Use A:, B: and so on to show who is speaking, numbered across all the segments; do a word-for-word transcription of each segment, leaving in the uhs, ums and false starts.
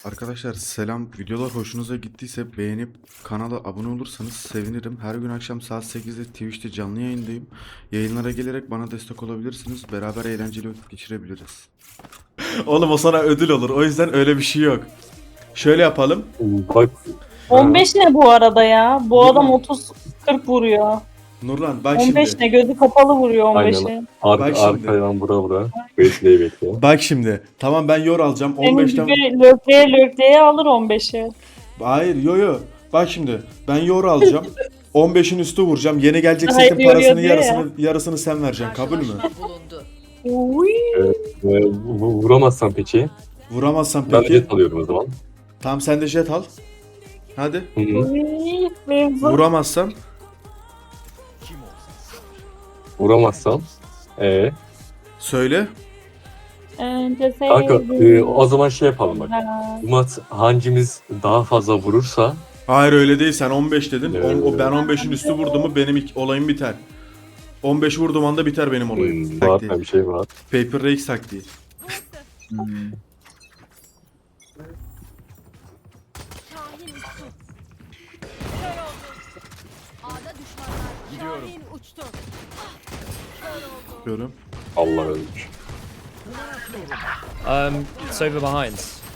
A: Arkadaşlar selam. Videolar hoşunuza gittiyse beğenip kanala abone olursanız sevinirim. Her gün akşam saat sekizde Twitch'te canlı yayındayım. Yayınlara gelerek bana destek olabilirsiniz. Beraber eğlenceli vakit geçirebiliriz. Oğlum o sana ödül olur. O yüzden öyle bir şey yok. Şöyle yapalım.
B: Bak.
C: on beş ne bu arada ya? Bu
A: Değil
C: adam
A: mi?
C: otuz kırk vuruyor.
A: Nurlan bak
C: on beş
A: şimdi.
C: ne? Gözü kapalı vuruyor on beşi.
B: Aynen. Arka,
A: Bak şimdi.
B: arkadan vura vura. Bekleyi bekliyor.
A: Bak şimdi. Tamam ben yor alacağım.
C: Senin
A: on beşten...
C: gibi lökleye lökleye alır on beşi.
A: Hayır yo yo. Bak şimdi. Ben yor alacağım. on beşin üstü vuracağım. Yeni gelecek
C: Hayır,
A: setin
C: yoruyor
A: parasını
C: diyor ya.
A: yarısını yarısını sen vereceksin. Kabul mü?
C: Uy.
B: Ee, vu- vuramazsan peki.
A: Vuramazsan
B: Ben de
A: peki.
B: jet alıyorum o zaman.
A: Tamam sen de jet al. Hadi.
B: Hı hı.
C: Uy. Mevzu.
A: Vuramazsam
B: Vuramazsam. Ee,
A: söyle.
C: Önce
B: kanka
C: sevdim.
B: e, o zaman şey yapalım bak. Bu maç hangimiz daha fazla vurursa
A: Hayır öyle değil. Sen on beş dedin.
B: Evet.
A: On- o ben on beşin üstü vurdum mu benim ik- olayım biter. on beş vurduğum anda biter benim olayım.
B: hmm, var
A: Taktiği.
B: bir şey var.
A: Paper Rex taktiği.
D: Şahin uçtu. Kör oldu. A'da düşmanlar. Şahin uçtu. Ah, kör oldu.
A: Diyorum.
B: Allah ölmüş.
E: Um, it's over behind.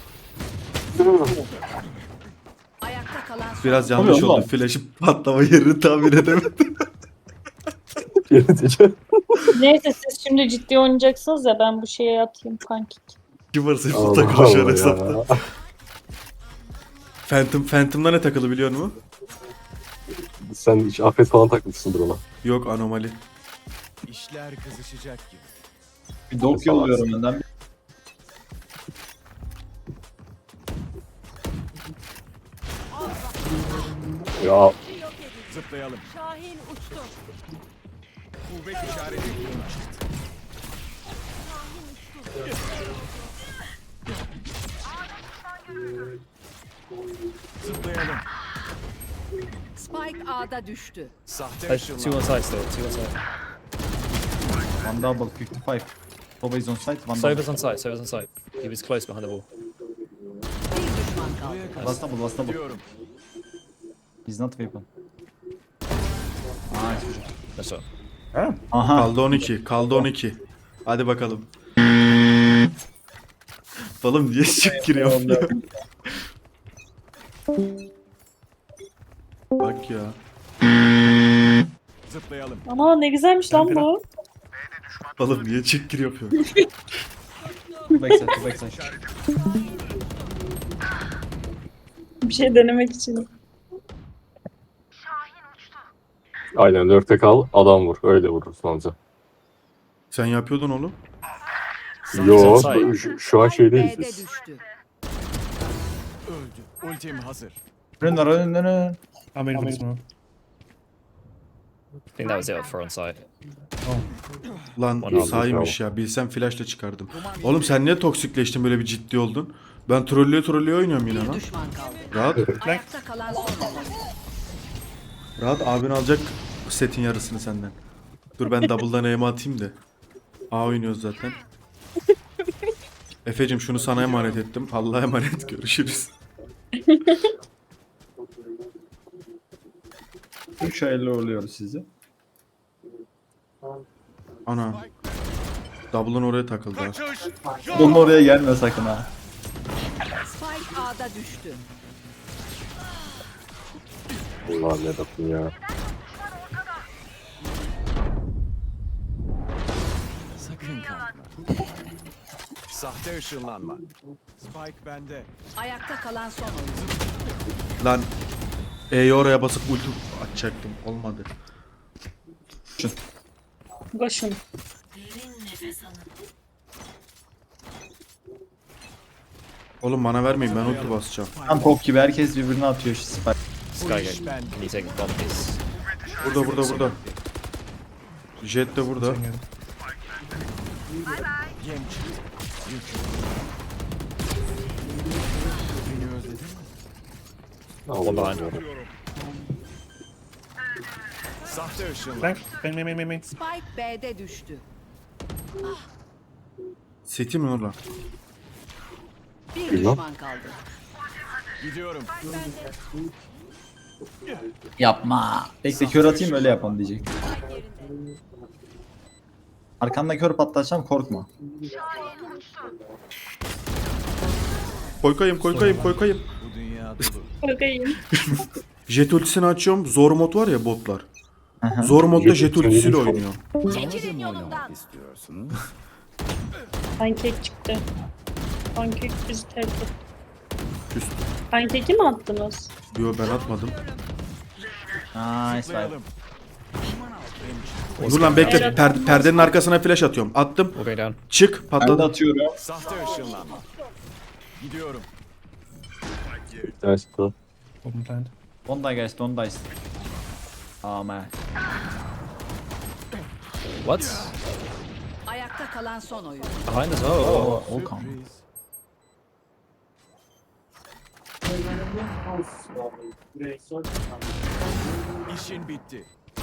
D: Ayakta kalan son.
A: Biraz yanlış
B: Tabii
A: oldu.
B: oğlum.
A: Flash'ı patlama yerini tahmin edemedim.
B: Yönetici.
C: Neyse siz şimdi ciddi oynayacaksınız ya ben bu şeye atayım pankek.
A: Kıvırsın
B: Allah
A: puta koşar
B: Allah
A: hesapta.
B: ya.
A: Phantom, Phantom'da ne takılı biliyor musun?
B: Sen hiç afet falan takmışsındır ona.
A: Yok anomali.
F: İşler kızışacak gibi.
G: Bir dok yolluyorum önden.
B: Ya
D: Yok edildi.
F: Zıplayalım.
D: Şahin uçtu.
F: Kuvvet işareti.
D: Şahin uçtu.
F: Zıplayalım.
D: Spike A'da düştü.
F: Sahte
E: Uh, two on
F: ışınlar.
E: side still, two on side.
G: One double fifty-five. Toba is on site. One
E: Sober's
G: double.
E: on side, Sober's on side. He was close behind the wall.
D: Bir düşman kaldı.
F: Buraya kadar
G: Last double, last double.
F: gidiyorum.
G: He's not weapon. Nice.
E: That's all.
G: Aha.
A: Kaldı on iki. Kaldı on iki. Hadi bakalım. Oğlum niye çık giriyor? Bak ya.
F: Zıplayalım.
C: Ama ne güzelmiş lan bu.
A: Oğlum niye çık gir yapıyor?
G: Two backside, two backside.
C: Bir şey denemek için.
B: aynen lurk'te kal adam vur. Öyle vurursun anca.
A: Sen yapıyordun oğlum.
B: Yo
E: Side.
B: şu, şu an şeydeyiz
D: B'de
B: biz.
D: düştü.
F: Öldü. Ultim hazır.
G: Run, run, run, run.
E: I think that was it for on site.
A: Lan
E: Bana
A: saymış ya. Bilsem flashla çıkardım. Oğlum sen niye toksikleştin böyle bir ciddi oldun? Ben trollüye trollüye oynuyorum yine
D: Bir
A: lan.
D: düşman kaldı.
A: Rahat.
D: Ayakta kalan son.
A: Rahat abin alacak setin yarısını senden. Dur ben double'dan aim'e atayım da. A oynuyoruz zaten. Efe'cim şunu sana emanet ettim. Allah'a emanet görüşürüz.
G: üç elli oluyoruz sizi.
A: Ana. Double'ın oraya takıldı ha.
G: Bunun oraya gelme sakın ha.
D: Spike A'da düştü.
B: Allah ne yapayım ya.
F: Sakın kalkma. Sahte ışınlanma. Spike bende.
D: Ayakta kalan son oyuncu.
A: Lan. E'yi oraya basıp ulti atacaktım. Olmadı.
C: Koşun.
A: Oğlum bana vermeyin ben ulti basacağım.
G: Tam top gibi herkes birbirine atıyor şu spike.
E: This
F: Bu
E: guy
F: iş
E: can,
F: bende.
E: can you take the bomb, please?
A: Burada burada burada. Jet de burada.
F: Yem çıktı. Yük. Beni özledin mi?
B: Allah
E: behind.
B: Allah.
F: Sahte ışınlar.
D: Spike B'de düştü.
A: City mi Nurlan?
D: Bir
B: Bilmem.
D: düşman kaldı.
F: Gidiyorum.
G: Yapma. Bekle kör atayım öyle yapalım diyecek. Arkanda kör patlatacağım korkma.
A: Koy kayım koy kayım koy kayım.
F: Bu dünya dolu.
C: Bakayım.
A: Jet ultisini açıyorum. Zor mod var ya botlar.
G: Hı hı.
A: Zor modda
B: Jet
A: jet
B: ultisini
A: ultisiyle
B: bilmiyorum.
A: oynuyor.
D: Çekilin yolumdan.
F: İstiyorsun.
C: Pankek çıktı. Pankek bizi terk etti.
A: Üst.
C: Pankeki mi attınız?
A: Yo ben atmadım.
G: Nice fight.
F: Zıplayalım.
A: Dur lan bekle.
C: Evet.
A: Per- perdenin arkasına flash atıyorum. Attım.
E: We'll go down.
A: Çık
G: Ben de
A: patladı.
G: atıyorum.
F: Sahte ışınlanma. Gidiyorum.
B: Nice bro.
E: Open planned.
G: Don't die guys don't die. Oh man.
E: What?
D: Ayakta kalan son oyun.
E: Behind as well.
G: Oh, Okan.
F: İşin bitti.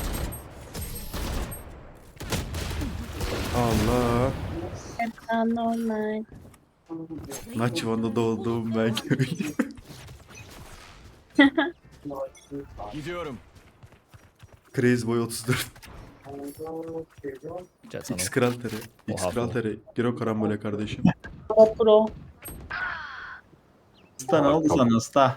A: Allah.
C: Hep normal.
A: Naçıvan'da doğduğum ben köylüyüm.
F: Gidiyorum.
A: Crazy Boy otuz dört.
E: Jets on.
A: X Kral Tere. X
E: Oha,
A: Kral
E: bu.
A: Tere. Gir o karambole kardeşim.
C: Pro pro.
G: Usta ne oldu sana usta?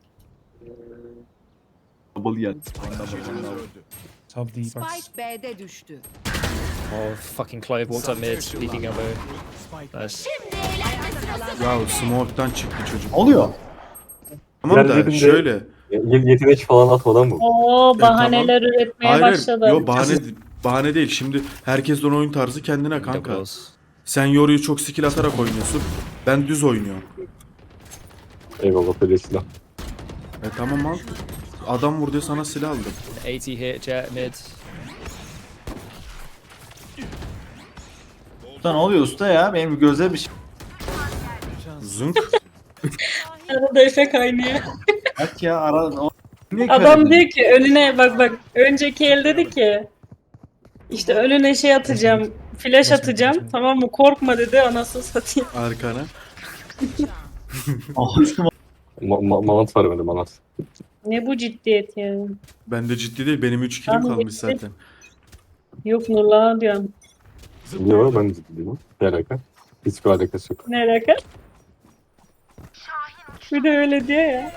G: Double yet.
F: Taşıyıcımız öldü.
E: Top the
D: Spike B'de düştü.
E: Oh, fucking Clive walked up mid, peeking elbow.
F: Spike
E: Nice.
A: Ya smoke'tan çıktı çocuk.
G: Oluyor.
A: Tamam da
B: Yerlerinde-
A: şöyle.
B: Ye- yetenek falan atmadan bu.
C: Oo bahaneler üretmeye
A: Hayır,
C: başladı.
A: yo bahane bahane değil. Şimdi herkesin oyun tarzı kendine
E: Double
A: kanka.
E: doors.
A: Sen Yoru'yu çok skill atarak oynuyorsun. Ben düz oynuyorum.
B: Eyvallah böyle silah.
A: E tamam al. Adam vurdu sana silah aldım.
E: eighty hit, jet mid.
G: Usta ne oluyor usta ya? Benim gözler bir şey.
A: Zınk.
C: Arada efe kaynıyor.
G: Bak ya ara... O... Niye kör
C: Adam
G: edin?
C: diyor ki önüne bak bak önceki el dedi ki işte önüne şey atacağım flash atacağım tamam mı korkma dedi anasını satayım.
A: Arkana.
G: Ağzıma-
B: Ma ma manat var bende manat.
C: Ne bu ciddiyet yani.
A: Bende ciddi değil. Benim üç killim
C: Tamam,
A: kalmış
C: bitti.
A: zaten.
C: Yok Nurlan'a diyorum.
B: Yok ben de değilim. Ne alaka? Hiçbir alakası yok.
C: Ne alaka? Bir de öyle diyor ya.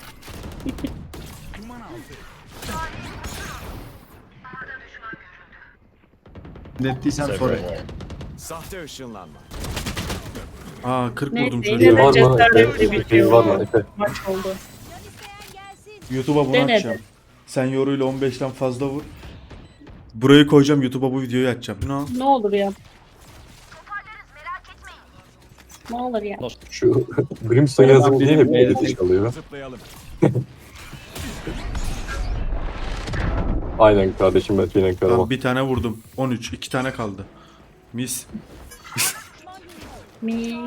G: Nettiysem
E: So
G: sorry.
E: great.
F: Sahte ışınlanma.
A: Aa kırk
C: Neyse,
A: vurdum
C: yine
B: Şey
A: çocuğa.
C: de-
B: var mı?
C: cesaretli
B: Efe,
C: bitiyor.
B: şey var mı? Efe.
C: Maç oldu.
A: YouTube'a bunu
C: Denedim.
A: atacağım. Sen Yoru'yla on beşten fazla vur. Burayı koyacağım. YouTube'a bu videoyu atacağım. No.
C: Ne olur ya. Ne olur ya.
B: Şu Brimstone yazıp diye hep edit çalıyor.
F: Zıplayalım.
B: Aynen kardeşim ben Tüynen
A: Tamam,
B: Karaman.
A: bir tane vurdum. on üç. iki tane kaldı. Mis.
C: Mi.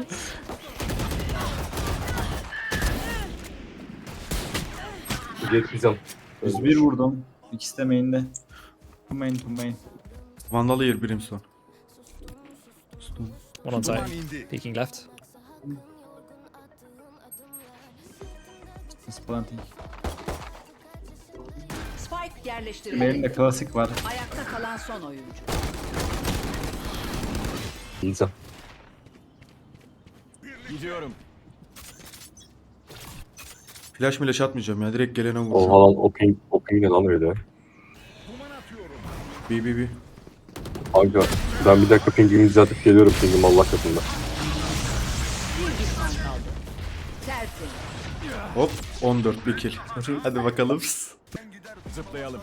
B: Geçeceğim.
G: yüz bir vurdum. İkisi de main'de. Two main two main.
A: Vandal Air Brimstone.
E: One on site,
F: Duman indi.
E: peeking left.
G: It's planting.
D: Spike
G: Benim
D: yerleştirildi.
G: de klasik var.
D: Ayakta kalan son oyuncu.
B: Yiyeceğim.
F: Gidiyorum.
A: Flash milaş atmayacağım ya. Direkt gelene
B: Oha
A: vuracağım.
B: lan o ping, o ping ne lan öyle?
A: Bi bi bi.
B: Kanka ben bir dakika pingimi düzeltip geliyorum pingim Allah katında.
D: Bir düşman kaldı. Tertemiz.
A: Hop. on dört bir kill. Hadi bakalım.
F: Zıplayalım.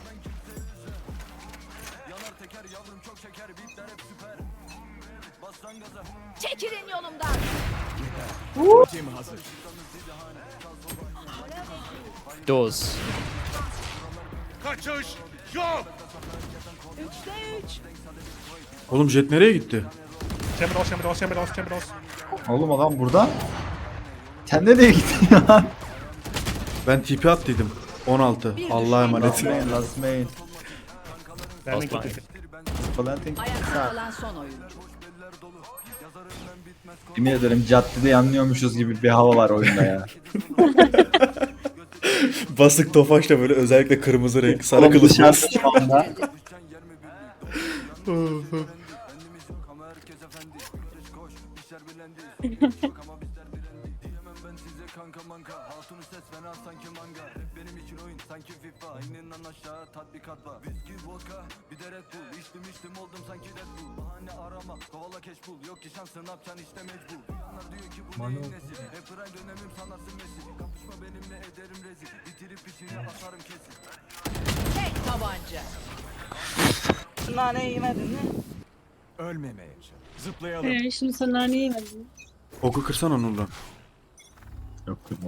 D: Çekilin yolumdan.
F: Tim hazır.
E: Doors.
F: Kaçış yok.
D: Üçte üç.
A: Oğlum Jet nereye gitti?
E: Chamber doors, chamber doors, chamber doors, chamber doors.
G: Oğlum adam burada. Sen nereye gittin ya?
A: Ben T P attıydım. on altı. Allah'a
G: Last
A: emanet.
G: main last main.
E: Last blind.
G: Planting.
D: Ayakta kalan son oyuncu.
G: Yemin ederim caddede yanlıyormuşuz gibi bir hava var oyunda ya.
A: Basık tofaşla böyle özellikle kırmızı renk sarı
G: Oğlum
A: kılıç.
G: dışarıda şu anda.
D: Tek tabanca.
F: Ölmemeye çalış. Zıplayalım.
C: Ee, şimdi sen naneyi yemedin.
A: Oku kırsana Nurlan.
G: Yok kırma.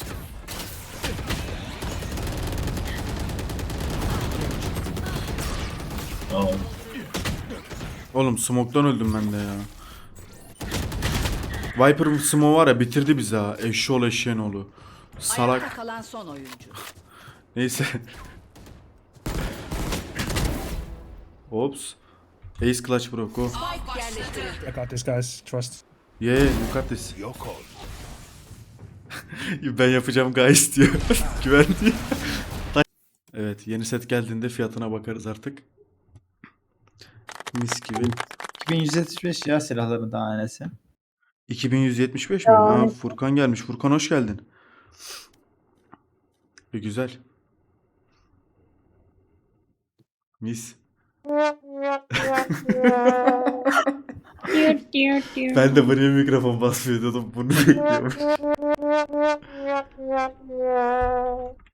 G: Aa,
A: Oğlum smoke'tan öldüm ben de ya. Viper smoke var ya bitirdi bizi ha. Eşşoğlu eşeğin oğlu.
D: Ayakta
A: Salak.
D: kalan son oyuncu.
A: Neyse. Ops. Ace clutch bro go.
D: Spike yerleştirildi.
E: I got this, guys. Trust.
A: Yeah, you got this.
F: Yok ol.
A: Ben yapacağım guys diyor. Güven diyor. Evet yeni set geldiğinde fiyatına bakarız artık. Mis gibi.
G: iki bin yüz yetmiş beş ya silahların tanesi.
A: iki bin yüz yetmiş beş mi?
C: Ya,
A: Ha,
C: evet.
A: Furkan gelmiş. Furkan hoş geldin. E, güzel. Mis.
C: Diyor diyor diyor.
A: Ben de buraya mikrofon basmıyor diyordum. Bunu bekliyorum.